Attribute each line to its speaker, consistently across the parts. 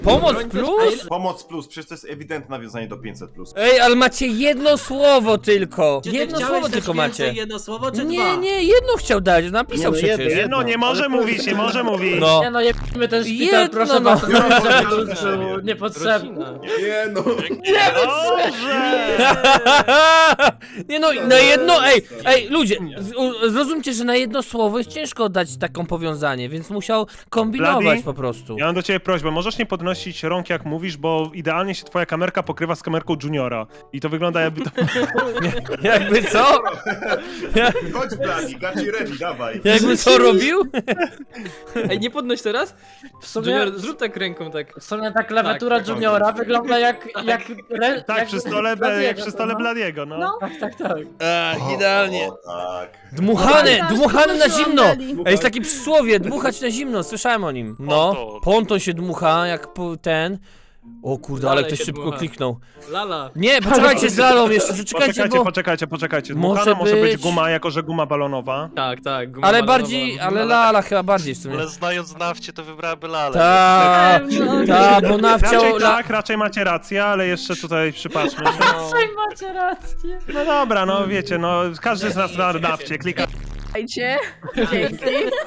Speaker 1: Pomoc plus?
Speaker 2: Pomoc plus, przecież to jest ewidentne nawiązanie do 500+.
Speaker 1: Ej, ale macie jedno słowo tylko.
Speaker 3: Czy ty
Speaker 1: Jedno
Speaker 3: chciałeś
Speaker 1: słowo
Speaker 3: dać
Speaker 1: tylko
Speaker 3: więcej
Speaker 1: macie.
Speaker 3: jedno słowo, czy
Speaker 1: Nie,
Speaker 3: dwa?
Speaker 1: nie, jedno chciał dać, napisał
Speaker 4: Nie, no
Speaker 1: przecież.
Speaker 4: jedno.
Speaker 5: Nie może mówić, nie może mówić.
Speaker 1: No.
Speaker 6: Nie no, jebimy ten szpital,
Speaker 1: Jedno,
Speaker 6: proszę
Speaker 1: no.
Speaker 6: was, to był niepotrzebny.
Speaker 2: Nie no.
Speaker 5: Dobrze!
Speaker 1: Nie no, na jedno, ej, ludzie, zrozumcie, że na jedno słowo jest ciężko dać taką powiązanie, więc musiał kombinować
Speaker 5: Bladi?
Speaker 1: po prostu.
Speaker 5: Ja mam do ciebie prośbę, możesz nie podnosić rąk jak mówisz, bo idealnie się twoja kamerka pokrywa z kamerką Juniora. I to wygląda jakby to...
Speaker 1: Jakby co?
Speaker 2: Chodź Bladi, gaci ready, dawaj.
Speaker 1: Jakby co robił?
Speaker 7: Ej, nie podnoś teraz?
Speaker 6: W sumie,
Speaker 7: Junior, zrób tak ręką, tak.
Speaker 6: w sumie ta klawiatura
Speaker 7: Tak,
Speaker 6: Juniora wygląda jak...
Speaker 5: Tak,
Speaker 6: jak
Speaker 5: przy stole, jak przy stole Bladiego, no.
Speaker 6: Tak.
Speaker 1: Idealnie.
Speaker 2: O, tak.
Speaker 1: Dmuchany na zimno.
Speaker 8: Dali.
Speaker 1: Ej, jest takie przysłowie, dmuchać na zimno, słyszałem o nim. No, ponton się dmucha, jak ten. O kurde, ale
Speaker 7: Dalej
Speaker 1: ktoś
Speaker 7: się
Speaker 1: szybko
Speaker 7: dmucha.
Speaker 1: kliknął.
Speaker 7: Lala.
Speaker 1: Nie, poczekajcie z lalą jeszcze, zaczekajcie, bo...
Speaker 5: Poczekajcie.
Speaker 1: Może
Speaker 5: Dmuchana może być
Speaker 1: być-
Speaker 5: guma, jako że guma balonowa.
Speaker 7: Tak, guma
Speaker 1: Ale
Speaker 7: balonowa.
Speaker 1: bardziej, ale lala chyba bardziej w sumie.
Speaker 4: Ale znając nawcie, to wybrałaby lalę.
Speaker 1: Bo nawciał...
Speaker 5: Raczej macie rację, ale jeszcze tutaj przypatrzmy się.
Speaker 6: Macie rację.
Speaker 5: No dobra, no wiecie, no każdy z nas na nawcie klika.
Speaker 8: Słuchajcie. Dzięki.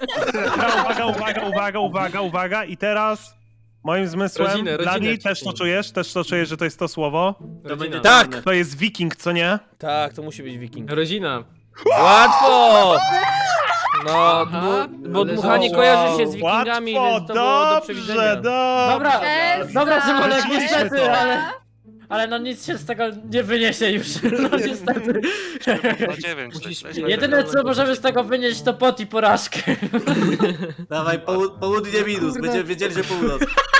Speaker 5: Uwaga i teraz moim zmysłem,
Speaker 7: Rodzinę
Speaker 5: Bladi, też
Speaker 7: wciśnij.
Speaker 5: też to czujesz, że to jest to słowo?
Speaker 7: Rodzina.
Speaker 1: Tak!
Speaker 5: To jest wiking, co nie?
Speaker 1: Tak, to musi być wiking.
Speaker 7: Rodzina.
Speaker 1: Łatwo! No,
Speaker 7: Aha,
Speaker 1: bo
Speaker 7: ale
Speaker 1: dmuchanie
Speaker 7: wow.
Speaker 1: kojarzy się z wikingami,
Speaker 5: Łatwo,
Speaker 1: więc to było do przewidzenia.
Speaker 6: Dobra, dobra, Szymonek,
Speaker 5: Wróciliśmy
Speaker 6: niestety,
Speaker 5: to.
Speaker 6: ale no nic się z tego nie wyniesie już, no niestety.
Speaker 4: Na 9.
Speaker 6: Jedyne co możemy z tego wynieść to pot i porażkę.
Speaker 3: Dawaj, południe minus, będziemy wiedzieli, że północ.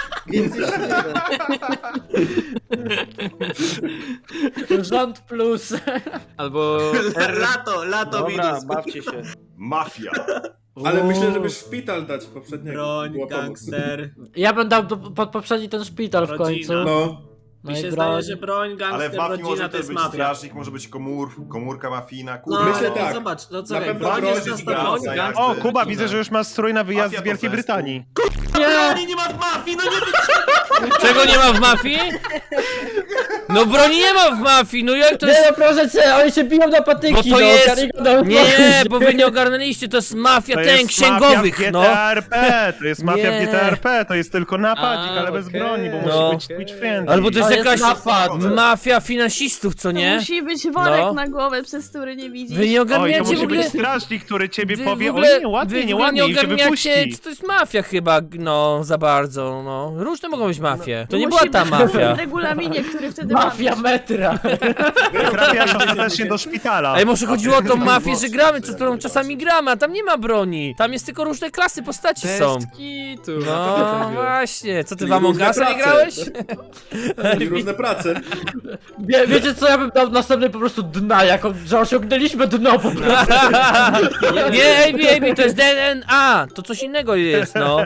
Speaker 6: Rząd plus.
Speaker 7: Albo...
Speaker 3: Lato minus.
Speaker 4: bawcie się.
Speaker 2: Mafia.
Speaker 9: Ale myślę, żeby szpital dać poprzedniego.
Speaker 3: Broń,
Speaker 9: Była pomoc.
Speaker 3: gangster.
Speaker 6: Ja bym dał pod poprzedni ten szpital w
Speaker 3: Rodzina.
Speaker 6: końcu.
Speaker 9: No.
Speaker 6: No
Speaker 3: Mi
Speaker 6: i
Speaker 3: się
Speaker 6: broń.
Speaker 3: zdaje, że broń,
Speaker 2: Ale
Speaker 3: gangster,
Speaker 2: w mafii
Speaker 3: rodzina
Speaker 2: może
Speaker 3: to
Speaker 2: też
Speaker 3: jest
Speaker 2: być
Speaker 3: mafia.
Speaker 2: strażnik, może być komórka mafijna,
Speaker 3: No,
Speaker 2: kurde.
Speaker 9: Myślę
Speaker 3: no,
Speaker 9: tak.
Speaker 3: zobacz, no co
Speaker 9: Na
Speaker 3: wiem,
Speaker 9: pewno
Speaker 3: broń
Speaker 9: broń
Speaker 3: jest na
Speaker 9: jest
Speaker 3: 100%.
Speaker 2: zgadza.
Speaker 5: O, Kuba, widzę, że już masz strój na wyjazd
Speaker 2: Mafia
Speaker 5: z Wielkiej
Speaker 2: to zespół.
Speaker 5: Brytanii.
Speaker 3: Broni nie ma w mafii, no nie
Speaker 1: Czego nie ma w mafii? No broni nie ma w mafii, no jak to
Speaker 6: Nie
Speaker 1: jest...
Speaker 6: no proszę cię, oni się biją na patyki,
Speaker 1: Bo to
Speaker 6: no,
Speaker 1: jest...
Speaker 6: Karygodą
Speaker 1: Nie, bo wy nie ogarnęliście, to jest mafia
Speaker 5: To
Speaker 1: ten
Speaker 5: jest
Speaker 1: księgowych,
Speaker 5: mafia w
Speaker 1: no.
Speaker 5: GTRP, to jest mafia w
Speaker 1: Nie.
Speaker 5: GTRP, to jest tylko napadzik, ale bez
Speaker 7: okej.
Speaker 5: broni, bo
Speaker 1: No.
Speaker 5: musi być Twitch friendly.
Speaker 1: Albo to jest
Speaker 6: To jest
Speaker 1: jakaś
Speaker 6: napad.
Speaker 1: mafia finansistów, co nie?
Speaker 8: Musi być worek
Speaker 1: No.
Speaker 8: na głowę, przez który nie widzisz.
Speaker 1: Wy nie
Speaker 5: Oj, to
Speaker 1: ogarniacie w
Speaker 5: musi
Speaker 1: ogóle...
Speaker 5: być strażnik, który ciebie
Speaker 1: Wy
Speaker 5: powie,
Speaker 1: w ogóle,
Speaker 5: o nie, ładnie,
Speaker 1: wy
Speaker 5: nie
Speaker 1: w ogóle
Speaker 5: ładnie, i cię
Speaker 1: ogarniacie,
Speaker 5: wypuści.
Speaker 1: co to jest mafia chyba, no, za bardzo, no. Różne mogą być mafie. To nie
Speaker 8: Musi
Speaker 1: była ta
Speaker 8: być
Speaker 1: mafia.
Speaker 8: w regulaminie, który wtedy
Speaker 6: Mafia
Speaker 8: mamy.
Speaker 6: metra.
Speaker 5: Trafiasz ostatecznie do szpitala.
Speaker 1: Ej, może chodziło o tą mafię, że gramy, z którą czasami gramy, a tam nie ma broni. Tam jest tylko różne klasy postaci są.
Speaker 7: Bez kitu.
Speaker 1: No właśnie, co ty w
Speaker 9: Czyli
Speaker 1: Among
Speaker 9: różne
Speaker 1: Usa nie
Speaker 9: prace.
Speaker 1: grałeś?
Speaker 9: I różne prace.
Speaker 6: Wiecie co, ja bym dał następny po prostu dna, jako, że osiągnęliśmy dno po prostu.
Speaker 1: Nie, AB, to jest DNA, to coś innego jest, no.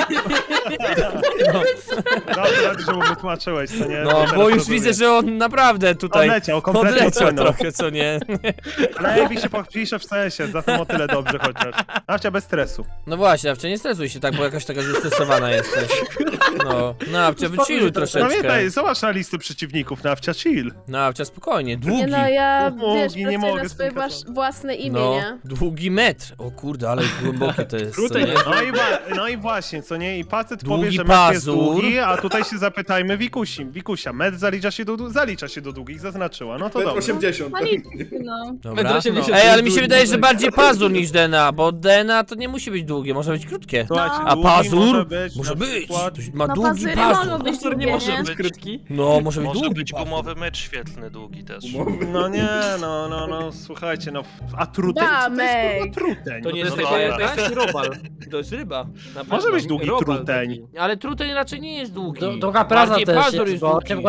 Speaker 5: Dobrze, że mu wytłumaczyłeś, co nie?
Speaker 1: No,
Speaker 5: Teraz
Speaker 1: bo już
Speaker 5: rozumiem.
Speaker 1: widzę, że on naprawdę tutaj
Speaker 5: Odleciał, kompletnie
Speaker 1: odleciał
Speaker 5: odpłynął.
Speaker 1: trochę, co nie?
Speaker 5: Ale Ebi się podpisze w CS-ie, za to o tyle dobrze chociaż. Nawcia bez stresu.
Speaker 1: No właśnie, Nawcia, nie stresuj się tak, bo jakaś taka zestresowana jesteś. No, Nawcia, wychilluj
Speaker 5: No
Speaker 1: troszeczkę.
Speaker 5: pamiętaj, zobacz na listy przeciwników, Nawcia, chill.
Speaker 1: Nawcia, spokojnie,
Speaker 8: Nie
Speaker 1: długi.
Speaker 8: no, ja
Speaker 5: Długi,
Speaker 8: wiesz,
Speaker 5: nie
Speaker 8: pracuję
Speaker 5: mogę
Speaker 8: na
Speaker 5: z
Speaker 8: swoje
Speaker 5: tym katować.
Speaker 8: własne imię,
Speaker 1: No,
Speaker 8: nie?
Speaker 1: długi metr. O kurde, ale głębokie to jest, co
Speaker 7: Krótek
Speaker 1: nie?
Speaker 7: jest.
Speaker 5: No i właśnie, co nie? I facet
Speaker 1: Długi
Speaker 5: powie, że metr jest
Speaker 1: pazur.
Speaker 5: długi, a tutaj się zapytajmy Wikusia. Metr zalicza się do długich, zaznaczyła. No to
Speaker 9: Metr
Speaker 5: dobrze.
Speaker 9: 80.
Speaker 8: No nic, no.
Speaker 1: Dobra.
Speaker 7: Metr 80
Speaker 1: Ej, ale
Speaker 7: jest
Speaker 1: mi się
Speaker 7: długi,
Speaker 1: wydaje, że
Speaker 7: tak.
Speaker 1: bardziej pazur niż DNA, bo DNA to nie musi być długie, może być krótkie.
Speaker 5: Słuchajcie,
Speaker 1: A
Speaker 5: długi
Speaker 1: pazur?
Speaker 5: być,
Speaker 1: Może
Speaker 5: na
Speaker 1: być.
Speaker 5: przykład-
Speaker 1: Ma
Speaker 8: No
Speaker 1: długi
Speaker 8: pazury
Speaker 1: pazur.
Speaker 8: mogą być
Speaker 7: Pastor nie
Speaker 8: długie,
Speaker 7: może
Speaker 8: nie?
Speaker 7: być krótki.
Speaker 1: No, może być
Speaker 4: Może
Speaker 1: długi
Speaker 4: być
Speaker 1: pazur.
Speaker 4: gumowy mecz świetlny, długi też.
Speaker 5: No nie, no, słuchajcie, no, a truteń? Co to jest
Speaker 8: Damek.
Speaker 5: kurwa truteń?
Speaker 7: To nie
Speaker 4: No
Speaker 7: jest
Speaker 4: dobra.
Speaker 7: taka jakaś robal. To jest ryba. Na
Speaker 5: Może
Speaker 7: pewno.
Speaker 5: być długi
Speaker 7: Robal
Speaker 5: truteń.
Speaker 7: taki.
Speaker 1: Ale truteń raczej nie jest długi.
Speaker 6: Długa praca
Speaker 1: Bardziej
Speaker 6: też
Speaker 1: pazur
Speaker 6: jest,
Speaker 1: jest
Speaker 6: bo
Speaker 1: długi.
Speaker 6: 8 godzin
Speaker 7: Ryb.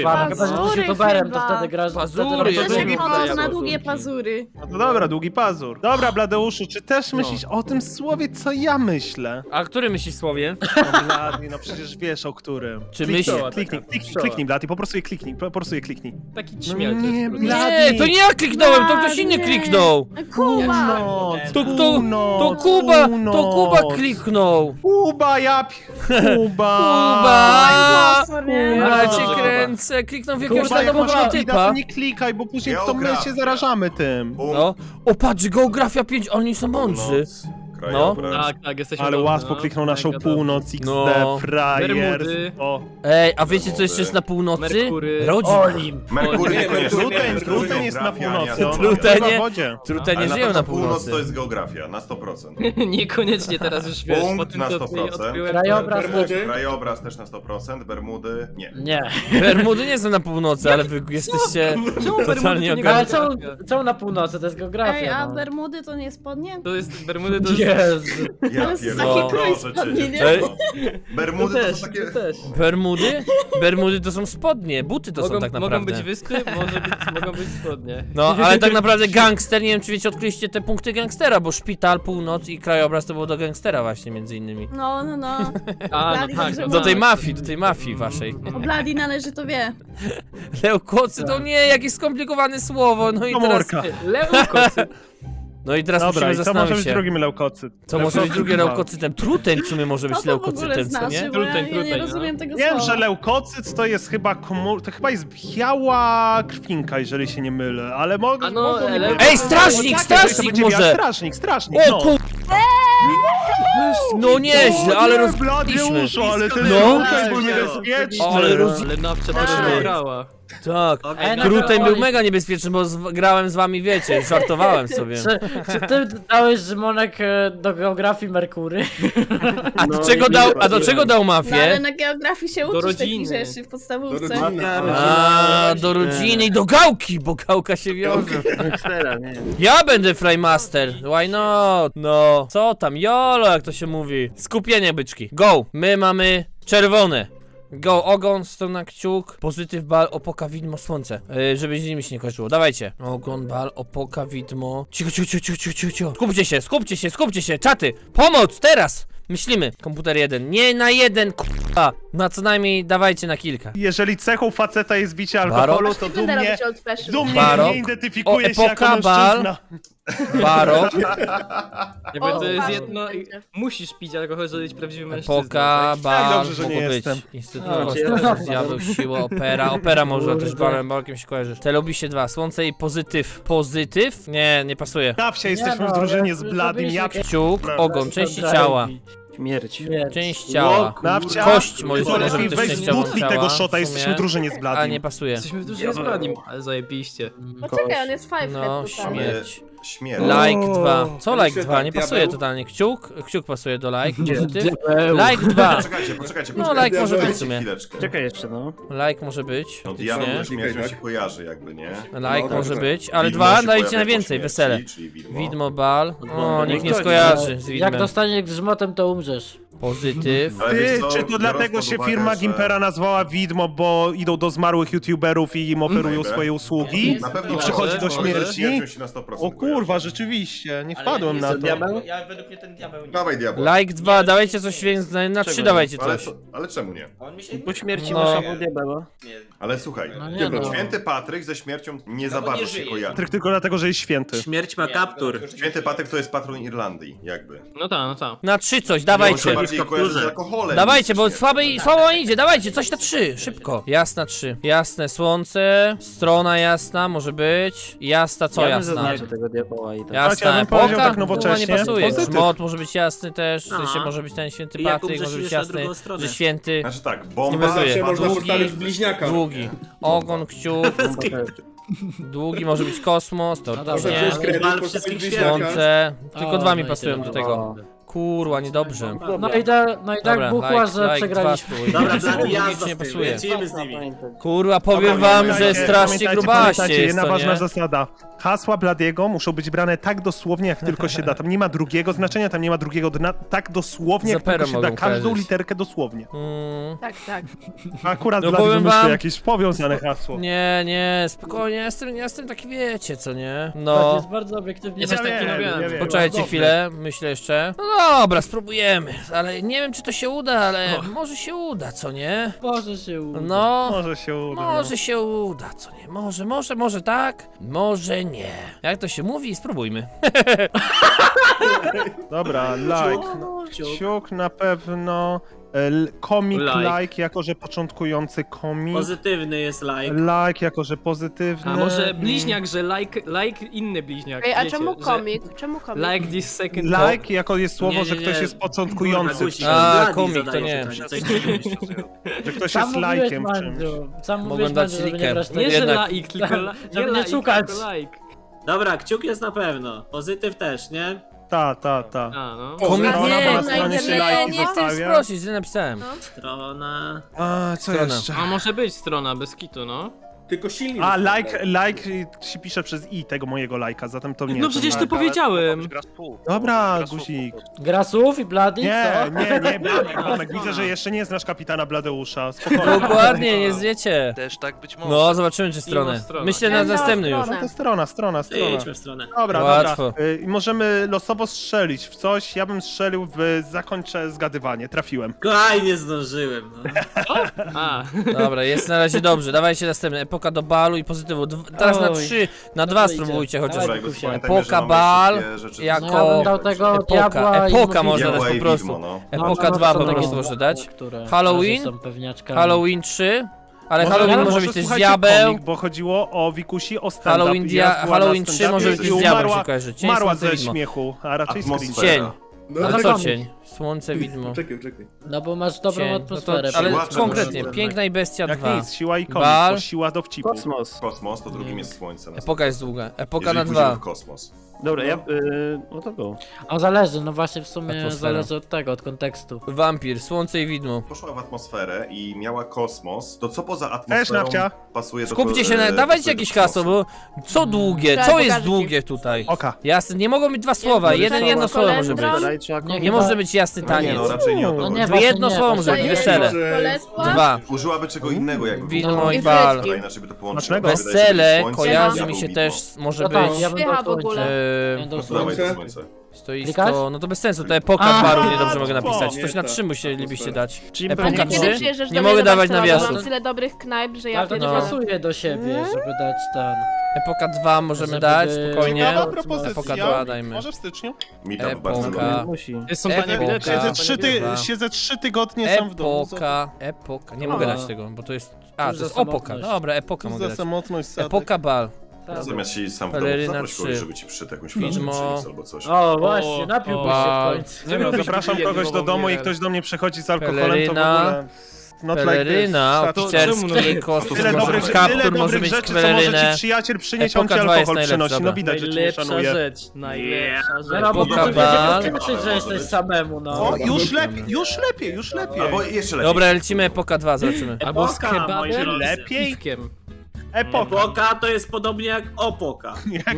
Speaker 6: chyba, że jesteś
Speaker 8: Pazury
Speaker 6: youtuberem, to
Speaker 8: chyba.
Speaker 6: wtedy grasz...
Speaker 7: Pazury,
Speaker 6: wtedy
Speaker 8: To
Speaker 7: ja
Speaker 8: się
Speaker 7: nie
Speaker 8: chodzą
Speaker 7: wiem,
Speaker 8: na
Speaker 7: jak
Speaker 8: długie
Speaker 7: pazurki.
Speaker 8: pazury.
Speaker 5: No to dobra, długi pazur. Dobra, Bladeuszu, czy też myślisz o tym słowie, co ja myślę?
Speaker 1: A który myślisz słowie?
Speaker 5: No Blady, no przecież wiesz o którym.
Speaker 1: Czy
Speaker 5: Kliknij,
Speaker 1: myśl-
Speaker 5: kliknij, Blady, po prostu je kliknij, po prostu je kliknij.
Speaker 7: Taki
Speaker 5: No
Speaker 7: śmiech.
Speaker 5: nie,
Speaker 1: Nie,
Speaker 5: Blady.
Speaker 1: to nie ja kliknąłem, to ktoś inny
Speaker 8: Nie.
Speaker 1: kliknął.
Speaker 8: Kuba!
Speaker 5: Północ,
Speaker 1: To
Speaker 5: północ,
Speaker 1: Kuba, to
Speaker 5: północ.
Speaker 1: Kuba kliknął.
Speaker 5: Kuba, Kuba.
Speaker 1: Kuba!
Speaker 8: Mocno, nie?
Speaker 1: Ja
Speaker 7: Bardzo
Speaker 1: cię
Speaker 7: dobrze.
Speaker 1: kręcę, kliknął w jakiegoś
Speaker 5: Kuba, jak
Speaker 1: randomowego
Speaker 5: masz Blida,
Speaker 1: typa.
Speaker 5: to nie klikaj, bo później to my się
Speaker 2: Geografia.
Speaker 5: zarażamy tym.
Speaker 1: No. O patrz, geografia 5, oni są mądrzy.
Speaker 2: Krajobraz.
Speaker 7: Tak, jesteśmy
Speaker 5: Ale
Speaker 7: dobrzy,
Speaker 5: łatwo
Speaker 7: no.
Speaker 5: kliknął naszą
Speaker 7: Mega
Speaker 5: północ, XD,
Speaker 1: No.
Speaker 5: frajers.
Speaker 7: Bermudy.
Speaker 5: O,
Speaker 1: Ej, a wiecie co jeszcze jest na północy?
Speaker 7: Merkury.
Speaker 1: Rodzin.
Speaker 6: Olimp.
Speaker 2: Merkury niekoniecznie.
Speaker 5: Truten jest na północy.
Speaker 2: Geografia,
Speaker 1: Trutenie?
Speaker 5: Pływa w wodzie.
Speaker 1: Trute nie
Speaker 2: Ale
Speaker 1: żyją
Speaker 2: na
Speaker 1: na
Speaker 2: pewno północ
Speaker 1: północy.
Speaker 2: to jest geografia, na 100%.
Speaker 7: Niekoniecznie teraz już wiesz,
Speaker 2: Punkt
Speaker 7: po tym
Speaker 2: na
Speaker 7: co
Speaker 2: 100%.
Speaker 7: odkryłem.
Speaker 6: Krajobraz też.
Speaker 9: Bermudy?
Speaker 2: Krajobraz też na 100%, Bermudy nie.
Speaker 6: Nie.
Speaker 1: Bermudy nie są na północy, ale wy jesteście
Speaker 7: Czemu Bermudy
Speaker 1: totalnie
Speaker 7: to nie
Speaker 6: Ale
Speaker 1: ogarnięci.
Speaker 6: czemu na północy? To jest
Speaker 8: Ej,
Speaker 6: geografia,
Speaker 8: a
Speaker 6: no.
Speaker 8: Bermudy to nie spodnie?
Speaker 7: To jest Bermudy, to jest...
Speaker 6: Jezu.
Speaker 2: Ja
Speaker 8: Ale z
Speaker 2: pierdolę,
Speaker 8: takiej krój
Speaker 2: proszę
Speaker 8: spadnie,
Speaker 2: cię.
Speaker 8: nie?
Speaker 1: Ej,
Speaker 2: Bermudy
Speaker 7: To
Speaker 2: to
Speaker 7: też,
Speaker 2: są takie...
Speaker 7: to też.
Speaker 1: Bermudy? Bermudy to są spodnie, buty to są tak
Speaker 7: Mogą być
Speaker 1: naprawdę.
Speaker 7: wyspy, mogą być spodnie.
Speaker 1: No, ale tak naprawdę gangster, nie wiem czy wiecie, odkryliście te punkty gangstera, bo szpital, północ i krajobraz to było do gangstera właśnie między innymi.
Speaker 8: No, no, no.
Speaker 7: A, no
Speaker 8: Blady
Speaker 7: tak.
Speaker 8: dobrze
Speaker 7: no
Speaker 1: Do tej
Speaker 7: tak.
Speaker 1: mafii waszej.
Speaker 8: O Bladi należy to wie.
Speaker 1: Leukocy to nie, jakieś skomplikowane słowo, no i teraz...
Speaker 5: Komórka.
Speaker 7: Leukocyt.
Speaker 1: No i teraz
Speaker 5: Dobra,
Speaker 1: musimy
Speaker 5: i co może
Speaker 1: zastanowić
Speaker 5: być
Speaker 1: się.
Speaker 5: drugim leukocyt?
Speaker 1: Co może być drugie
Speaker 5: Leukocyt.
Speaker 1: leukocytem? Truteń w sumie może być
Speaker 8: Co to w ogóle
Speaker 1: leukocytem, co nie?
Speaker 8: znaczy? Bo ja nie
Speaker 7: Truteń,
Speaker 8: rozumiem tego
Speaker 5: Wiem,
Speaker 8: słowa.
Speaker 5: że leukocyt to jest chyba to chyba jest biała krwinka, jeżeli się nie mylę, ale mogę...
Speaker 7: A no,
Speaker 5: mogą nie
Speaker 7: leukocyt-
Speaker 5: być.
Speaker 1: Ej, strażnik,
Speaker 5: To
Speaker 1: strażnik
Speaker 5: będzie
Speaker 1: może!
Speaker 5: Strażnik,
Speaker 1: O
Speaker 5: no.
Speaker 1: kur... No nieźle, ale
Speaker 5: nie,
Speaker 1: rozbiliśmy.
Speaker 5: Bladeuszu, ale ten
Speaker 1: No.
Speaker 5: leukocyt był niebezpieczny.
Speaker 1: Ale
Speaker 7: Ale nawcia to
Speaker 6: Ej.
Speaker 7: przegrała.
Speaker 1: Tak.
Speaker 6: Ej, no
Speaker 1: Truteń
Speaker 6: to
Speaker 1: był
Speaker 6: Oli-
Speaker 1: mega niebezpieczny, bo grałem z wami, wiecie, żartowałem sobie.
Speaker 6: Czy ty dałeś Szymonek do geografii Merkury?
Speaker 1: A do czego dał,
Speaker 8: No ale
Speaker 1: mafię?
Speaker 8: na geografii się
Speaker 7: Do
Speaker 8: uczysz takich
Speaker 7: rodziny.
Speaker 8: rzeczy w
Speaker 9: Do
Speaker 8: podstawówce.
Speaker 9: rodziny.
Speaker 1: A, do rodziny i do gałki, bo gałka się wiąże. Ja będę Flymaster, why not? No, co tam, jolo, jak to się mówi. Skupienie, byczki, go, my mamy czerwone. Go, ogon, strona, kciuk, pozytyw, bal, opoka, widmo, słońce. Żeby z nimi się nie kojarzyło, dawajcie. Ogon, bal, opoka, widmo. Cicho, cicho, cicho, cicho, cicho, cicho. Skupcie się, czaty. Pomoc, teraz. Myślimy. Komputer 1. Nie na jeden, k***a. Na co najmniej dawajcie na kilka.
Speaker 5: Jeżeli cechą faceta jest bicie alkoholu, to dumnie
Speaker 1: Barok.
Speaker 5: nie identyfikuje
Speaker 1: O,
Speaker 5: się jako
Speaker 1: epoka, bal.
Speaker 5: mężczyzna.
Speaker 1: Barok,
Speaker 7: Jakby
Speaker 8: O,
Speaker 7: to jest
Speaker 8: bardzo
Speaker 7: jedno...
Speaker 8: będzie.
Speaker 7: Musisz pić alkohol, żeby być prawdziwym mężczyzną.
Speaker 1: epoka,
Speaker 7: tak?
Speaker 1: bal,
Speaker 5: dobrze, że nie
Speaker 1: mogło być.
Speaker 5: jestem.
Speaker 1: Instytut
Speaker 6: No,
Speaker 1: Kosmos, Diabeł, Siła, Opera. Opera może też balkiem się kojarzysz. Telobisie 2, Słońce i Pozytyw. Pozytyw? Nie, nie pasuje.
Speaker 5: Nawcia, jesteśmy
Speaker 6: Nie,
Speaker 5: w
Speaker 6: no,
Speaker 5: drużynie
Speaker 6: ja-
Speaker 5: z Bladim, ja
Speaker 1: Kciuk, ogon, części ciała.
Speaker 3: Śmierć.
Speaker 1: Część ciała.
Speaker 5: Nawcia,
Speaker 1: Kość może
Speaker 5: to
Speaker 1: być
Speaker 5: lepiej
Speaker 1: też
Speaker 5: weź
Speaker 1: częściową
Speaker 5: butli
Speaker 1: ciała,
Speaker 5: tego
Speaker 1: w
Speaker 5: shota,
Speaker 1: sumie.
Speaker 5: jesteśmy w drużynie z
Speaker 1: A
Speaker 5: Bladim.
Speaker 1: nie pasuje.
Speaker 7: Jesteśmy w dużym składzie, ale zajebiście.
Speaker 8: Poczekaj, on jest five
Speaker 1: No,
Speaker 8: head tutaj.
Speaker 1: śmierć.
Speaker 2: Śmierć.
Speaker 1: Like 2. Co
Speaker 9: Ja
Speaker 1: like
Speaker 9: myślę
Speaker 1: 2?
Speaker 9: tak,
Speaker 1: Nie
Speaker 9: diabeł.
Speaker 1: pasuje totalnie. Kciuk pasuje do like. Pozytyw. Like 2.
Speaker 2: Poczekajcie.
Speaker 1: No, like może być w sumie.
Speaker 2: Chwileczkę.
Speaker 3: Czekaj jeszcze, no.
Speaker 1: Like może być.
Speaker 2: No
Speaker 1: faktycznie.
Speaker 2: diabeł ze śmiercią
Speaker 9: Klikaj,
Speaker 2: się
Speaker 9: tak?
Speaker 2: kojarzy jakby, nie?
Speaker 1: Like
Speaker 9: No,
Speaker 1: może
Speaker 9: tak.
Speaker 1: być, ale
Speaker 2: Widmo
Speaker 1: 2
Speaker 2: się
Speaker 1: dajcie
Speaker 2: pojawia
Speaker 1: na
Speaker 2: po
Speaker 1: więcej,
Speaker 2: śmierci,
Speaker 1: wesele.
Speaker 2: czyli widmo.
Speaker 1: Widmo, bal. O, nikt nie
Speaker 3: Ktoś-
Speaker 1: skojarzy z
Speaker 6: Jak
Speaker 1: widmem.
Speaker 6: dostaniesz grzmotem, to umrzesz.
Speaker 1: Pozytyw.
Speaker 2: Ale
Speaker 5: Ty,
Speaker 2: wiesz co,
Speaker 5: czy to
Speaker 2: biorąc
Speaker 5: dlatego
Speaker 2: pod
Speaker 5: się
Speaker 2: uwagę,
Speaker 5: firma
Speaker 2: że-
Speaker 5: Gimpera nazwała Widmo, bo idą do zmarłych youtuberów i im oferują
Speaker 2: Maybe.
Speaker 5: swoje usługi?
Speaker 2: Na pewno
Speaker 5: I przychodzi do
Speaker 7: może.
Speaker 5: śmierci?
Speaker 2: Śmiercią się na 100%
Speaker 5: O kurwa, rzeczywiście, nie wpadłem na to.
Speaker 3: Ja według mnie ten diabeł nie.
Speaker 2: Dawaj diabeł.
Speaker 1: Like 2, dawajcie coś więcej, na 3 dawajcie
Speaker 2: Ale,
Speaker 1: coś.
Speaker 2: ale czemu nie?
Speaker 3: Po śmierci
Speaker 1: No.
Speaker 3: masz albo diabeła.
Speaker 2: Ale słuchaj,
Speaker 6: No nie no.
Speaker 2: święty Patryk ze śmiercią nie za bardzo się kojarzy.
Speaker 5: Patryk tylko dlatego, że jest święty.
Speaker 3: Śmierć ma kaptur.
Speaker 2: Święty Patryk to jest patron Irlandii, jakby.
Speaker 7: No tak, no tak.
Speaker 1: Na 3 coś,
Speaker 2: On się
Speaker 1: dawajcie.
Speaker 2: bardziej kojarzy z alkoholem.
Speaker 1: Dawajcie,
Speaker 2: niż
Speaker 1: bo
Speaker 2: ze
Speaker 1: słabo idzie, dawajcie, coś na 3, szybko. Jasna 3. Jasne słońce, strona jasna może być. Jasna co
Speaker 3: Ja bym
Speaker 1: jasna?
Speaker 3: zaznaczył tego diabeła i tak.
Speaker 1: Jasna
Speaker 5: Ja bym powiedział
Speaker 1: epoka?
Speaker 5: tak nowocześnie.
Speaker 1: Kurwa, nie pasuje.
Speaker 5: Pozytyw.
Speaker 1: Żmot może być jasny też, w sensie
Speaker 3: Aha.
Speaker 1: może być ten święty
Speaker 3: I jak
Speaker 1: Patryk,
Speaker 3: umrzesz,
Speaker 1: może być
Speaker 3: idziesz na
Speaker 1: jasny,
Speaker 3: drugą stronę.
Speaker 1: że święty,
Speaker 2: Znaczy tak,
Speaker 1: Nie
Speaker 2: bomba
Speaker 1: pasuje.
Speaker 9: Zawsze można
Speaker 2: długi,
Speaker 9: postawić bliźniaka.
Speaker 1: długi. Ogon, kciuk, długi może być kosmos,
Speaker 6: dobra.
Speaker 1: teoretycznie.
Speaker 9: Może wziąć kredyt,
Speaker 3: Bal
Speaker 9: postawić
Speaker 3: wszystkich
Speaker 9: bliźniaka.
Speaker 1: Słońce, tylko
Speaker 6: O,
Speaker 1: 2 mi
Speaker 6: no i
Speaker 1: pasują
Speaker 6: tyle.
Speaker 1: do tego.
Speaker 6: O.
Speaker 1: Kurwa, niedobrze.
Speaker 6: No i tak buchła, że przegraliśmy.
Speaker 3: Dobra,
Speaker 1: Nic
Speaker 3: Blady, jazda
Speaker 1: nie
Speaker 3: z tym,
Speaker 1: pasuje.
Speaker 3: lecimy z nimi.
Speaker 1: Kurwa, powiem wam, że strasznie grubaście
Speaker 5: Pamiętajcie,
Speaker 1: jest
Speaker 5: jedna
Speaker 1: to,
Speaker 5: ważna
Speaker 1: nie?
Speaker 5: zasada. Hasła Bladiego muszą być brane tak dosłownie, jak tylko się da. Tam nie ma drugiego znaczenia, tam nie ma drugiego dna. Tak dosłownie, jak
Speaker 1: Zapera
Speaker 5: tylko się da.
Speaker 1: mogą
Speaker 5: Każdą
Speaker 1: kojarzyć.
Speaker 5: literkę dosłownie.
Speaker 8: Tak, tak.
Speaker 5: Akurat
Speaker 1: No
Speaker 5: Blady
Speaker 1: powiem
Speaker 5: wymyślił
Speaker 1: wam-
Speaker 5: jakieś powiązane hasło.
Speaker 1: Nie, spokojnie, jestem taki, wiecie co, nie?
Speaker 6: To
Speaker 1: No.
Speaker 6: jest bardzo obiektywnie.
Speaker 7: Jesteś taki
Speaker 5: wiem,
Speaker 7: nowiany.
Speaker 5: nie wiem.
Speaker 1: Poczekajcie
Speaker 5: Dobry.
Speaker 1: chwilę, myślę jeszcze. No dobra, spróbujemy, ale nie wiem czy to się uda, ale może się uda, co nie?
Speaker 6: Może się uda.
Speaker 1: No,
Speaker 5: Może się uda.
Speaker 1: może się uda, co nie? Może tak, może nie. Jak to się mówi, spróbujmy.
Speaker 5: Dobra, like. Ciuk na pewno. Komik
Speaker 7: Like.
Speaker 5: like, jako że początkujący komik.
Speaker 3: Pozytywny jest like.
Speaker 5: Like, jako że pozytywny.
Speaker 7: A może bliźniak, że like inny bliźniak.
Speaker 8: Ej, a
Speaker 7: wiecie,
Speaker 8: czemu
Speaker 7: że
Speaker 8: komik? Czemu komik?
Speaker 7: Like this second
Speaker 5: Like, jako jest słowo,
Speaker 3: Nie,
Speaker 5: że
Speaker 3: nie,
Speaker 5: ktoś
Speaker 3: nie.
Speaker 5: jest początkujący.
Speaker 3: Guzik,
Speaker 1: A,
Speaker 3: Blady
Speaker 1: komik, to
Speaker 3: zadaje
Speaker 1: nie.
Speaker 3: pytanie, coś
Speaker 5: Że ktoś
Speaker 6: Sam
Speaker 5: jest
Speaker 6: mówiłeś,
Speaker 5: lajkiem czymś.
Speaker 6: Mandziu. Sam
Speaker 1: Mogą
Speaker 6: mówiłeś,
Speaker 1: dać
Speaker 6: Mandziu, żeby
Speaker 1: likę.
Speaker 6: nie brać
Speaker 7: Nie,
Speaker 6: tego.
Speaker 7: że
Speaker 1: Jednak.
Speaker 7: like, tylko
Speaker 6: Żeby nie
Speaker 7: like,
Speaker 6: szukać.
Speaker 7: tylko like.
Speaker 3: Dobra, kciuk jest na pewno. Pozytyw też, nie?
Speaker 5: Ta.
Speaker 7: A, no.
Speaker 1: Komik
Speaker 5: Strona,
Speaker 1: nie,
Speaker 5: bo na
Speaker 1: no,
Speaker 5: stronie się lajki
Speaker 1: nie chcę
Speaker 5: zostawia.
Speaker 1: sprosić, źle napisałem.
Speaker 3: Strona...
Speaker 5: A, co
Speaker 1: Strona.
Speaker 5: jeszcze?
Speaker 7: A może być strona bez kitu, no.
Speaker 9: Tylko silnik.
Speaker 5: A, like się pisze przez i tego mojego lajka, zatem to nie.
Speaker 7: No przecież
Speaker 5: to
Speaker 7: to
Speaker 5: like.
Speaker 7: powiedziałem.
Speaker 5: Dobra, guzik.
Speaker 6: Grasów i Blady,
Speaker 5: Nie,
Speaker 6: co?
Speaker 5: Blamek, widzę, że jeszcze nie znasz kapitana Bladeusza. Spokojnie.
Speaker 1: Dokładnie, nie zwiecie.
Speaker 4: Też tak być może.
Speaker 1: No, zobaczymy czy stronę.
Speaker 7: Inną stronę.
Speaker 1: Myślę na
Speaker 8: Inną
Speaker 1: następny już.
Speaker 8: stronę.
Speaker 5: No to strona.
Speaker 3: Idźmy w stronę.
Speaker 5: Dobra,
Speaker 1: Łatwo.
Speaker 5: dobra. Możemy losowo strzelić w coś. Ja bym strzelił w zakończę zgadywanie. Trafiłem.
Speaker 3: Aj, nie zdążyłem, no.
Speaker 7: A,
Speaker 1: Dobra, jest na razie dobrze. Dawajcie następny. Epoka do balu i pozytywu. Teraz na
Speaker 6: Oj.
Speaker 1: 3, na
Speaker 6: No
Speaker 1: 2
Speaker 6: to idzie.
Speaker 1: spróbujcie chociaż.
Speaker 6: Dawaj,
Speaker 2: Dobra, jakby
Speaker 6: Kukusie.
Speaker 2: pamiętajmy, że
Speaker 1: Epoka
Speaker 2: mamy
Speaker 1: bal,
Speaker 2: wszystkie rzeczy
Speaker 1: jako-
Speaker 6: No ja bym dał tego diabła
Speaker 1: Epoka
Speaker 6: i
Speaker 1: można
Speaker 2: Diabła
Speaker 1: dać
Speaker 2: i
Speaker 1: po prostu.
Speaker 2: widmo, no.
Speaker 1: Epoka 2 po prostu może dać. Halloween?
Speaker 6: Są pewniaczkami.
Speaker 1: Halloween 3. Ale
Speaker 5: Może-
Speaker 1: Halloween może
Speaker 5: może
Speaker 1: być też
Speaker 5: słuchajcie
Speaker 1: diabeł.
Speaker 5: komik, bo chodziło o Wikusi, o stand-up.
Speaker 1: Halloween 3 może być
Speaker 5: i
Speaker 1: z diabłem
Speaker 5: umarła-
Speaker 1: się kojarzy. Cień,
Speaker 5: Umarła
Speaker 1: słońce,
Speaker 5: ze
Speaker 1: widmo.
Speaker 5: śmiechu, a raczej z
Speaker 2: Atmosfera.
Speaker 5: cringe.
Speaker 1: Cień.
Speaker 9: No,
Speaker 1: No
Speaker 9: tak.
Speaker 1: co cień? Słońce, widmo.
Speaker 9: Czekaj.
Speaker 6: No bo masz dobrą
Speaker 1: Cień.
Speaker 6: atmosferę.
Speaker 1: ale
Speaker 2: Siłacze
Speaker 1: konkretnie,
Speaker 2: może.
Speaker 1: Piękna i Bestia
Speaker 5: Jak
Speaker 1: 2.
Speaker 5: nic, siła i komik,
Speaker 1: Bal.
Speaker 5: bo siła dowcipu.
Speaker 2: Kosmos, to drugim jest słońce.
Speaker 1: Epoka jest długa. Epoka
Speaker 2: Jeżeli
Speaker 1: na
Speaker 2: pójdziemy
Speaker 1: 2.
Speaker 2: w kosmos.
Speaker 10: Dobra, no to go.
Speaker 6: A zależy, no właśnie w sumie
Speaker 1: Atmosfera.
Speaker 6: zależy od tego, od kontekstu.
Speaker 1: Wampir, Słońce i Widmo.
Speaker 2: Poszła w atmosferę i miała kosmos, to co poza atmosferą
Speaker 5: Nafcia.
Speaker 2: pasuje do
Speaker 1: Skupcie się na... Dawajcie
Speaker 2: pasuje do
Speaker 1: jakieś
Speaker 2: kosmosu?
Speaker 1: hasło, bo co długie?
Speaker 8: Trzeba
Speaker 1: Co jest
Speaker 8: pokażę ci.
Speaker 1: długie tutaj?
Speaker 5: Oka.
Speaker 1: Jasne, nie mogą być dwa słowa, jedno słowo może być.
Speaker 6: Nie,
Speaker 1: Nie może być jasny
Speaker 2: No nie,
Speaker 1: taniec.
Speaker 2: no raczej nie o to
Speaker 6: No
Speaker 2: chodzi.
Speaker 6: nie,
Speaker 1: To
Speaker 6: właśnie
Speaker 1: jedno
Speaker 6: nie,
Speaker 1: słowo
Speaker 6: właśnie
Speaker 1: może być,
Speaker 6: nie.
Speaker 1: wesele.
Speaker 8: Bolesław?
Speaker 1: 2.
Speaker 2: Użyłaby czego innego jakby.
Speaker 1: Widmo i
Speaker 8: I
Speaker 1: bal.
Speaker 8: frytki.
Speaker 2: Dobra, inaczej by to połączyło.
Speaker 5: Smacznego.
Speaker 2: Wydaje się, że
Speaker 1: Wesele
Speaker 2: słońce,
Speaker 1: kojarzy
Speaker 2: diabeł,
Speaker 1: mi się
Speaker 2: widmo.
Speaker 1: też, może
Speaker 6: No tak,
Speaker 1: być...
Speaker 6: ja bym
Speaker 8: Śpiewa
Speaker 6: dał
Speaker 8: w ogóle.
Speaker 6: słońce.
Speaker 1: e,
Speaker 6: Będą
Speaker 2: To dawaj
Speaker 6: słońce.
Speaker 2: to słońce.
Speaker 6: Klikać?
Speaker 1: Stoisko, no to bez sensu, to epoka
Speaker 6: A,
Speaker 1: baru niedobrze mogę napisać.
Speaker 9: nie,
Speaker 1: Coś na
Speaker 9: tak.
Speaker 1: 3 musielibyście dać.
Speaker 10: Czyli
Speaker 1: Epoka
Speaker 8: Ale
Speaker 10: pewnie-
Speaker 8: kiedy
Speaker 1: 3?
Speaker 8: przyjeżdżasz
Speaker 1: Nie
Speaker 8: do mnie
Speaker 1: mogę
Speaker 8: do
Speaker 1: dawać
Speaker 8: Warszawy,
Speaker 1: nawiasów.
Speaker 8: Mam tyle dobrych knajp, że ja
Speaker 6: Ale to nie
Speaker 8: pierdzielę.
Speaker 6: pasuje do siebie, żeby dać ten...
Speaker 1: Epoka 2 możemy
Speaker 6: Żeby
Speaker 1: dać,
Speaker 6: by-
Speaker 1: spokojnie.
Speaker 5: Ciekawa
Speaker 1: Epoka
Speaker 5: propozycja.
Speaker 1: 2 dajmy.
Speaker 5: Może w styczniu?
Speaker 2: Meetup bardzo
Speaker 1: Epoka.
Speaker 2: dobry.
Speaker 10: Musi.
Speaker 7: są tanie
Speaker 1: Epoka.
Speaker 7: bilety.
Speaker 5: Siedzę
Speaker 7: tanie
Speaker 5: trzy,
Speaker 7: bilety.
Speaker 5: siedzę 3 tygodnie sam w domu.
Speaker 1: Epoka. Nie mogę dać tego, bo to jest... A,
Speaker 6: Cóż
Speaker 1: to jest
Speaker 6: za
Speaker 1: opoka.
Speaker 6: samotność.
Speaker 1: Dobra, epoka
Speaker 5: Co
Speaker 1: mogę
Speaker 5: za
Speaker 1: dać.
Speaker 5: samotność, Sadek.
Speaker 1: Epoka bal.
Speaker 2: Zamiast siedzieć sam w domu,
Speaker 1: Peleryna
Speaker 2: zaproś kogoś,
Speaker 1: 3.
Speaker 2: żeby ci przyszedł jakąś flaszkę
Speaker 1: Widmo.
Speaker 2: przyniósł albo coś.
Speaker 6: O, właśnie, napiłbyś się
Speaker 1: Ba-
Speaker 6: w końcu.
Speaker 5: Nie no, zapraszam
Speaker 7: Pijemy,
Speaker 5: kogoś do
Speaker 7: bo
Speaker 5: domu i
Speaker 7: mówię.
Speaker 5: ktoś do mnie przychodzi z alkoholem, to w
Speaker 1: Peleryna.
Speaker 5: ogóle... Not
Speaker 1: Peleryna,
Speaker 5: like this.
Speaker 1: oficerski,
Speaker 2: Tyle
Speaker 1: kostus,
Speaker 5: Tyle
Speaker 1: może
Speaker 5: dobrych,
Speaker 1: być
Speaker 5: tyle
Speaker 1: kaptur, może
Speaker 5: dobrych
Speaker 1: być
Speaker 5: rzeczy, co może
Speaker 1: pelerynę.
Speaker 5: ci przyjaciel przynieść, on ci
Speaker 1: Epoka 2 jest
Speaker 5: alkohol
Speaker 1: najlepsza,
Speaker 5: przynosi. No
Speaker 1: dobra.
Speaker 5: widać, że cię nie
Speaker 7: Najlepsza
Speaker 5: szanuje.
Speaker 7: rzecz, najlepsza rzecz.
Speaker 6: No bo
Speaker 1: Epoka
Speaker 6: to
Speaker 1: bal.
Speaker 6: będziemy myśleć, że jesteś samemu, no.
Speaker 5: O, już lepiej.
Speaker 2: Albo jeszcze lepiej.
Speaker 1: Dobra, lecimy epoka 2, zobaczymy.
Speaker 7: Albo z
Speaker 3: Epoka, moi
Speaker 7: kebabem
Speaker 3: drodzy.
Speaker 5: Lepiej?
Speaker 7: z piwkiem.
Speaker 5: Epoka.
Speaker 3: Epoka to jest podobnie jak opoka.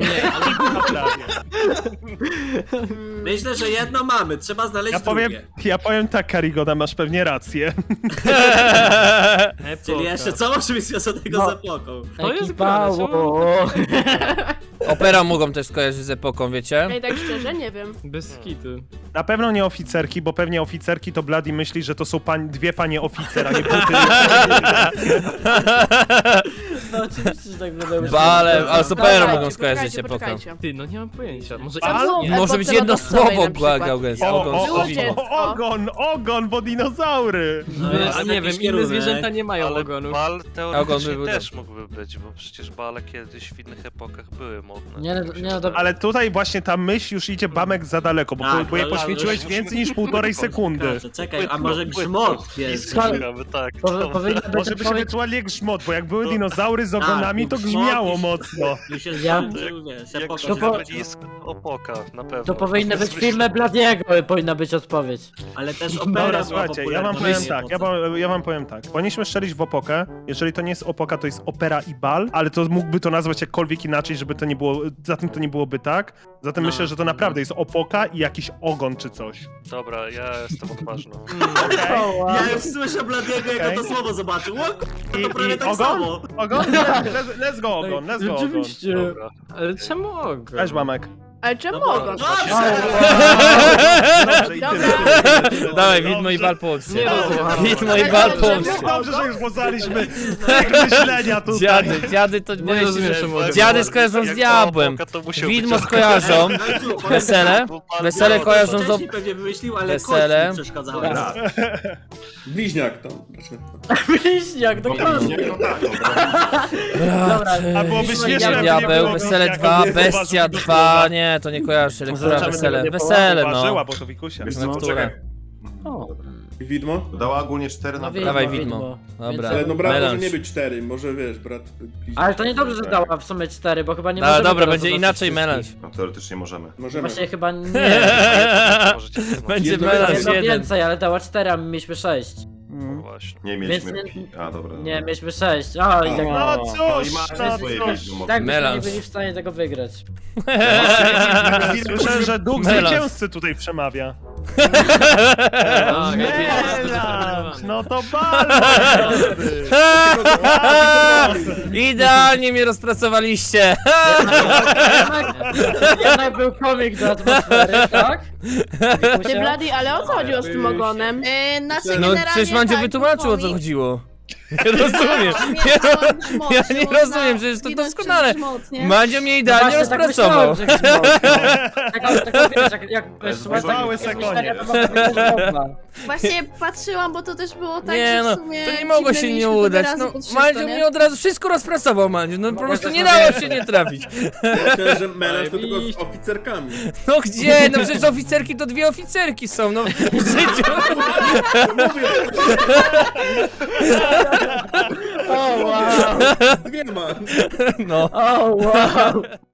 Speaker 3: Myślę, że jedno mamy, trzeba znaleźć drugie.
Speaker 5: Ja powiem tak, Karigoda, masz pewnie rację.
Speaker 3: Czyli jeszcze co może być związanego z epoką?
Speaker 7: To jest
Speaker 6: Ekipa,
Speaker 7: grane, czemu?
Speaker 6: o.
Speaker 1: Opera mogą też skojarzyć z epoką, wiecie?
Speaker 8: Ej, tak szczerze, nie wiem.
Speaker 7: Bez kitu.
Speaker 5: Na pewno nie oficerki, bo pewnie oficerki to Bloody myśli, że to są dwie panie oficer, a nie buty.
Speaker 6: No oczywiście, że tak będę
Speaker 1: Bale, ale z operą
Speaker 8: Poczekajcie,
Speaker 1: mogą skojarzyć
Speaker 8: poczekajcie,
Speaker 1: epokę.
Speaker 8: poczekajcie.
Speaker 7: Ty, no nie mam pojęcia. Może
Speaker 8: Co było w
Speaker 1: Może być
Speaker 8: epoce
Speaker 1: jedno
Speaker 8: lodowcowej
Speaker 1: słowo,
Speaker 8: na przykład?
Speaker 1: Gauges.
Speaker 8: Ludzie.
Speaker 5: Ogon, bo dinozaury.
Speaker 7: A nie wiem, inne zwierzęta nie mają
Speaker 4: Ale
Speaker 7: ogonów.
Speaker 4: bal
Speaker 1: Ogon
Speaker 4: teoretycznie
Speaker 1: by był
Speaker 4: też mógłby być, bo przecież bale kiedyś w innych epokach były modne.
Speaker 6: Nie, no dobra.
Speaker 5: Ale tutaj właśnie ta myśl już idzie Bamek za daleko, bo jej
Speaker 3: ale-
Speaker 5: poświęciłeś
Speaker 3: ale-
Speaker 5: więcej niż 1,5 sekundy.
Speaker 3: Proszę, czekaj, a może grzmot jest?
Speaker 6: Skąd-
Speaker 4: Tak,
Speaker 6: Powinno być
Speaker 5: Może by się wyczuwali jak grzmot, bo jak były dinozaury, szczury z ogonami, to grzmiało mocno.
Speaker 3: Mi się
Speaker 6: Ja-
Speaker 3: wiesz,
Speaker 4: Jak
Speaker 3: epoka.
Speaker 6: To po-
Speaker 4: środowisko opoka, na pewno.
Speaker 6: To powinny być filmy Bladiego, powinna być odpowiedź.
Speaker 3: Ale też opera
Speaker 5: Dobra,
Speaker 3: była
Speaker 5: słuchajcie, ja
Speaker 3: popularna
Speaker 5: wam
Speaker 3: w
Speaker 5: powiem
Speaker 3: tej
Speaker 5: tak,
Speaker 3: epoce.
Speaker 5: ja wam powiem tak. Powinniśmy strzelić w opokę. Jeżeli to nie jest opoka, to jest opera i bal, ale to mógłby to nazwać jakkolwiek inaczej, żeby to nie było, zatem to nie byłoby tak. Zatem myślę, że to naprawdę jest opoka i jakiś ogon czy coś.
Speaker 4: Dobra, ja jestem odważny.
Speaker 3: Ja już słyszę Bladiego, jak
Speaker 5: Okej.
Speaker 3: to słowo zobaczył. O,
Speaker 5: I,
Speaker 3: to prawie
Speaker 5: i
Speaker 3: tak
Speaker 5: ogon?
Speaker 3: samo.
Speaker 5: Ogon? Let's go ogon, let's go ogon.
Speaker 6: Rzeczywiście.
Speaker 4: Dobra.
Speaker 7: Ale czemu ogon?
Speaker 5: Cześć, Mamek.
Speaker 8: Ale czemu
Speaker 3: No,
Speaker 8: ogon?
Speaker 3: dobrze.
Speaker 5: Dobrze, i tyle.
Speaker 1: Dawaj, widmo i bal połącz się.
Speaker 7: Nie rozumiem.
Speaker 1: Widmo i bal połącz się.
Speaker 5: Dobrze, że już poznaliśmy tych myślenia tutaj.
Speaker 1: Dziady to boję się,
Speaker 7: rozumiem,
Speaker 1: że...
Speaker 7: czemu ogon.
Speaker 1: Dziady skojarzą z
Speaker 4: Jak
Speaker 1: diabłem.
Speaker 4: opoka, to musiał
Speaker 1: Widmo
Speaker 4: być
Speaker 1: skojarzą. Wesele? Wesele
Speaker 3: Ja
Speaker 1: kojarzą z...
Speaker 3: wcześniej pewnie wymyślił, ale
Speaker 1: Wesele.
Speaker 3: kość mi przeszkadzały.
Speaker 9: Bliźniak tam. Znaczy,
Speaker 6: Bliźniak, dokładnie.
Speaker 2: Nie, no tak, dobra.
Speaker 6: Dobra,
Speaker 5: A byłoby śmieszne, jakby nie
Speaker 1: Diabeł,
Speaker 5: było
Speaker 1: Wesele
Speaker 5: jak
Speaker 1: 2,
Speaker 5: nie
Speaker 1: Bestia
Speaker 5: zauważył
Speaker 1: 2, nie, to nie kojarzy, ale która Wesele? Wesele,
Speaker 5: Ważyła,
Speaker 1: no.
Speaker 5: bo to wikusia.
Speaker 2: Wiesz
Speaker 1: No,
Speaker 2: co,
Speaker 1: które?
Speaker 2: czekaj.
Speaker 9: I widmo?
Speaker 2: Dała ogólnie 4 na
Speaker 1: Dawaj
Speaker 6: Widmo,
Speaker 1: widmo.
Speaker 6: widmo.
Speaker 1: Dobra.
Speaker 9: Ale no brat może
Speaker 1: melanż.
Speaker 9: nie być 4, może wiesz, brat... bliźniak.
Speaker 6: Ale to niedobrze, że dała w sumie 4, bo chyba nie
Speaker 1: Dobra,
Speaker 6: możemy
Speaker 1: dobra,
Speaker 6: teraz
Speaker 1: będzie
Speaker 6: zobaczyć
Speaker 1: inaczej
Speaker 6: wszystkich.
Speaker 1: melanż.
Speaker 2: No teoretycznie możemy.
Speaker 9: Możemy.
Speaker 6: Właśnie chyba nie.
Speaker 4: Możecie jedno.
Speaker 1: Będzie
Speaker 9: Jedno
Speaker 1: melanż
Speaker 6: Jedno
Speaker 1: jeden.
Speaker 6: więcej, ale dała 4, a my mieliśmy 6.
Speaker 4: Właśnie.
Speaker 2: Nie mieliśmy...
Speaker 6: Więc
Speaker 2: A, dobra.
Speaker 6: Nie, mieliśmy 6. O, i tak.
Speaker 5: No
Speaker 2: No
Speaker 5: cóż,
Speaker 2: i masz
Speaker 5: no
Speaker 2: swoje
Speaker 5: cóż.
Speaker 2: widmo.
Speaker 6: Tak byśmy nie
Speaker 1: Melanż.
Speaker 6: byli w stanie tego wygrać.
Speaker 5: Słyszę, że duch
Speaker 1: Melanż.
Speaker 5: zwycięzcy tutaj przemawia.
Speaker 7: Tak,
Speaker 5: Melanż, no to bardzo.
Speaker 1: Idealnie mnie rozpracowaliście.
Speaker 6: Jednak był komik do atmosfery, tak?
Speaker 8: Ty Bladi, ale o co chodziło z tym ogonem?
Speaker 1: No przecież Mandzio wytłumaczył, o co chodziło. Nie rozumiem. Ja nie rozumiem, przecież to doskonale. Mandzio mnie idealnie
Speaker 6: Właśnie tak
Speaker 1: rozpracował.
Speaker 6: myślałem, że jakiś mąż, tak wiesz, jak słuchasz
Speaker 5: Mały
Speaker 6: takiej
Speaker 5: sekundzie.
Speaker 6: historii, to mogę być dobra.
Speaker 8: Właśnie patrzyłam, bo to też było tak,
Speaker 1: Nie
Speaker 8: że
Speaker 1: no,
Speaker 8: w sumie
Speaker 1: to nie mogło się nie udać. No, Mandzio mnie od razu wszystko rozpracował, Mandzio. No po prostu nie dało się nie trafić.
Speaker 9: Ja myślałem, że melanż to tylko z oficerkami.
Speaker 1: No gdzie? No przecież oficerki to dwie oficerki są, no w życiu.
Speaker 6: O wow!
Speaker 9: Dwiema.
Speaker 1: No.
Speaker 6: O wow!